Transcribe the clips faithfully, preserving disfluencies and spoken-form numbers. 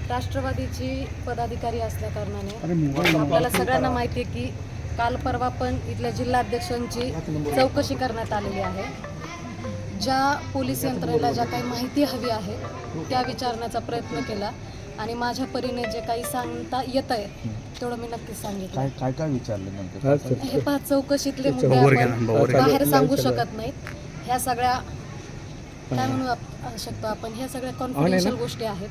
राष्ट्रवादीची पदाधिकारी असल्या कारणाने आपल्याला सगळ्यांना माहिती आहे की काल परवा पण इथल्या जिल्हाध्यक्षांची चौकशी करण्यात आलेली आहे. ज्या पोलीस यंत्रणेला ज्या काही माहिती हवी आहे त्या विचारण्याचा प्रयत्न केला आणि माझ्या परीने जे काही सांगता येत आहे तेवढं मी नक्कीच सांगितलं. काय काय काय विचारलं नंतर? हे पाच चौकशीतले मुद्दे आपण बाहेर सांगू शकत नाहीत. ह्या सगळ्या काय म्हणू शकतो आपण, ह्या सगळ्या कॉन्फिडेन्शियल गोष्टी आहेत.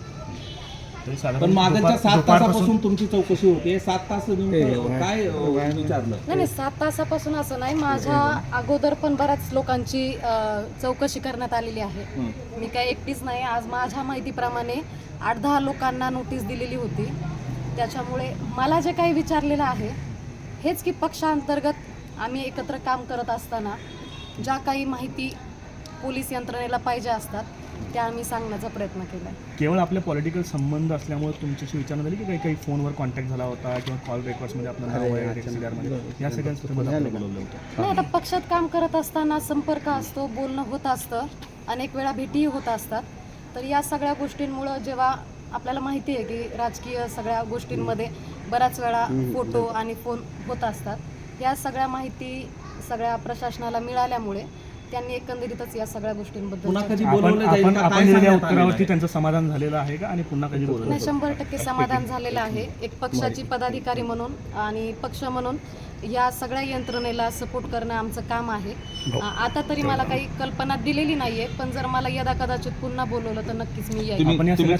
पण मागच्या सात तासापासून तुमची चौकशी होते. सात तास काय विचारलं? नाही नाही सात तासापासून असं नाही, माझ्या अगोदर पण बऱ्याच लोकांची चौकशी करण्यात आलेली आहे. मी काय एकटीच नाही. आज माझ्या माहितीप्रमाणे आठ दहा लोकांना नोटीस दिलेली होती. त्याच्यामुळे मला जे काही विचारलेलं आहे हेच की पक्षांतर्गत आम्ही एकत्र काम करत असताना ज्या काही माहिती पोलीस यंत्रणेला पाहिजे असतात त्या आम्ही सांगण्याचा प्रयत्न केला. केवळ आपले पॉलिटिकल संबंध असल्यामुळे तुमच्याशी विचारणा झाली की काही काही फोनवर कॉन्टॅक्ट झाला होता किंवा कॉल रेकॉर्ड्समध्ये आपलं नाव आहे या सगळ्यांसोबत आपण बोलवलं होतं? नाही, आता पक्षात काम करत असताना संपर्क असतो, बोलणं होत असतं, अनेक वेळा भेटीही होत असतात. तर या सगळ्या गोष्टींमुळं जेव्हा आपल्याला माहिती आहे की राजकीय सगळ्या गोष्टींमध्ये बऱ्याच वेळा फोटो आणि फोन होत असतात, या सगळ्या माहिती सगळ्या प्रशासनाला मिळाल्यामुळे त्यांनी एकंदरीतच या सगळ्या गोष्टींबद्दल उत्तरावरती त्यांचं समाधान झालेलं आहे का आणि पुन्हा कधी बोलवलं? नाही, शंभर टक्के समाधान झालेलं आहे. एक पक्षाची पदाधिकारी म्हणून आणि पक्ष म्हणून या सगळ्या यंत्रणेला सपोर्ट करणं आमचं काम आहे. आता तरी मला काही कल्पना दिलेली नाहीये, पण जर मला यदा कदाचित पुन्हा बोलवलं तर नक्कीच मी येईल.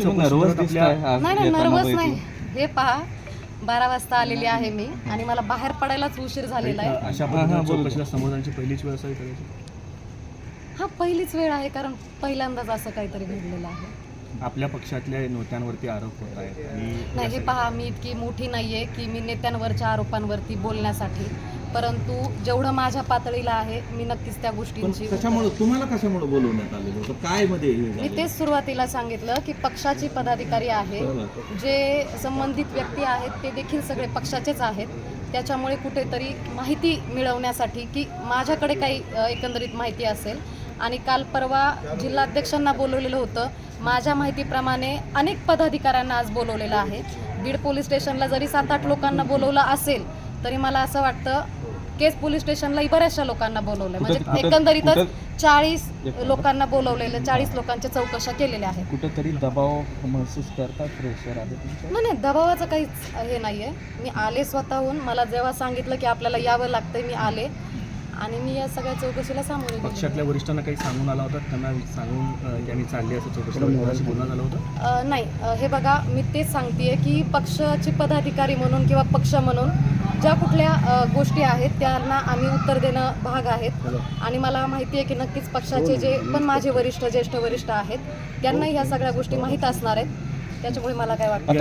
नाही नाही नर्वस नाही. हे पहा, बारा वाजता आलेली आहे मी आणि मला बाहेर पडायलाच उशीर झालेला आहे. अशा पद्धतीने चौकशीला समोरची पहिलीच वेळ असावी करायची? हा पहिलीच वेळ आहे, कारण पहिल्यांदाच असं काहीतरी घडलेलं आहे. आपल्या पक्षातल्या नेत्यांवरती आरोप होत आहेत. नाही, हे पहा, मी इतकी मोठी नाहीये की मी नेत्यांवरच्या आरोपांवरती बोलण्यासाठी, परंतु जेवढं माझ्या पातळीला आहे मी नक्कीच त्या गोष्टींची. कशामुळे तुम्हाला कशामुळे बोलवण्यात आलेलं होतं? काय मध्ये मी तेच सुरुवातीला सांगितलं की पक्षाची पदाधिकारी आहे, जे संबंधित व्यक्ती आहेत ते देखील सगळे पक्षाचेच आहेत. त्याच्यामुळे कुठेतरी माहिती मिळवण्यासाठी की माझ्याकडे काही एकंदरीत माहिती असेल, आणि काल परवा जिल्हाध्यक्षांना बोलवलेलं होतं. माझ्या माहितीप्रमाणे अनेक पदाधिकाऱ्यांना आज बोलवलेलं आहे. बीड पोलीस स्टेशनला जरी सात आठ लोकांना बोलवलं असेल तरी मला असं वाटतं केस पोलीस स्टेशनलाही बऱ्याचशा लोकांना बोलवलं, म्हणजे एकंदरीतच चाळीस लोकांना बोलवलेलं, चाळीस लोकांच्या चौकशा केलेल्या आहेत. कुठेतरी दबाव महसूस करतात, प्रेशर आहे तुमचं? नाही नाही, दबावाचं काहीच हे नाही आहे. मी आले स्वतःहून. मला जेव्हा सांगितलं की आपल्याला यावं लागतंय मी आले आणि मी या सगळ्या चौकशीला सामोरे गेले. पक्षातल्या वरिष्ठांना काही सांगून आला होता, त्यांना सांगून त्यांनी चालली असं चौकशीला बोलणं झालं होतं? नाही, हे बघा, मी तेच सांगतेय की पक्षाचे पदाधिकारी म्हणून किंवा पक्ष म्हणून ज्या कुठल्या गोष्टी आहेत त्यांना आम्ही उत्तर देणं भाग आहेत. आणि मला माहिती आहे की नक्कीच पक्षाचे जे पण माझे वरिष्ठ ज्येष्ठ वरिष्ठ आहेत त्यांनाही ह्या सगळ्या गोष्टी माहीत असणार आहेत. त्याच्यामुळे मला काय वाटतं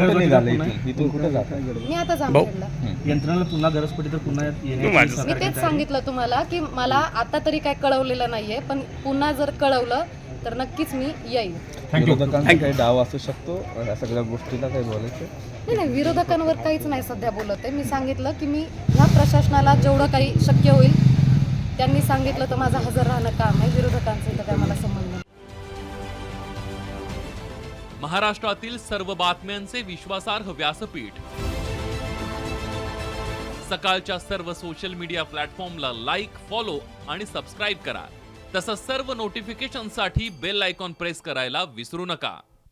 मी आता जामखेडला यंत्रणाला पुन्हा गरज पडली तर पुन्हा मी तेच सांगितलं तुम्हाला की मला आता तरी काय कळवलेलं नाहीये, पण पुन्हा जर कळवलं तर नक्कीच मी येईल. काही डाव असू शकतो या सगळ्या गोष्टीला काही बोलायचं? नाही नाही, विरोधकांवर काहीच नाही सध्या बोलत आहे. मी सांगितलं की मी ह्या प्रशासनाला जेवढं काही शक्य होईल त्यांनी सांगितलं तर माझं हजर राहणं काम आहे. विरोधकांचं तर काय मला संबंध नाही. महाराष्ट्रातील सर्व बातम्यांचे विश्वासार्ह व्यासपीठ, सकाळच्या सर्व सोशल मीडिया प्लॅटफॉर्मला लाईक, फॉलो आणि सबस्क्राईब करा. तसंच सर्व नोटिफिकेशनसाठी बेल आयकॉन प्रेस करायला विसरू नका.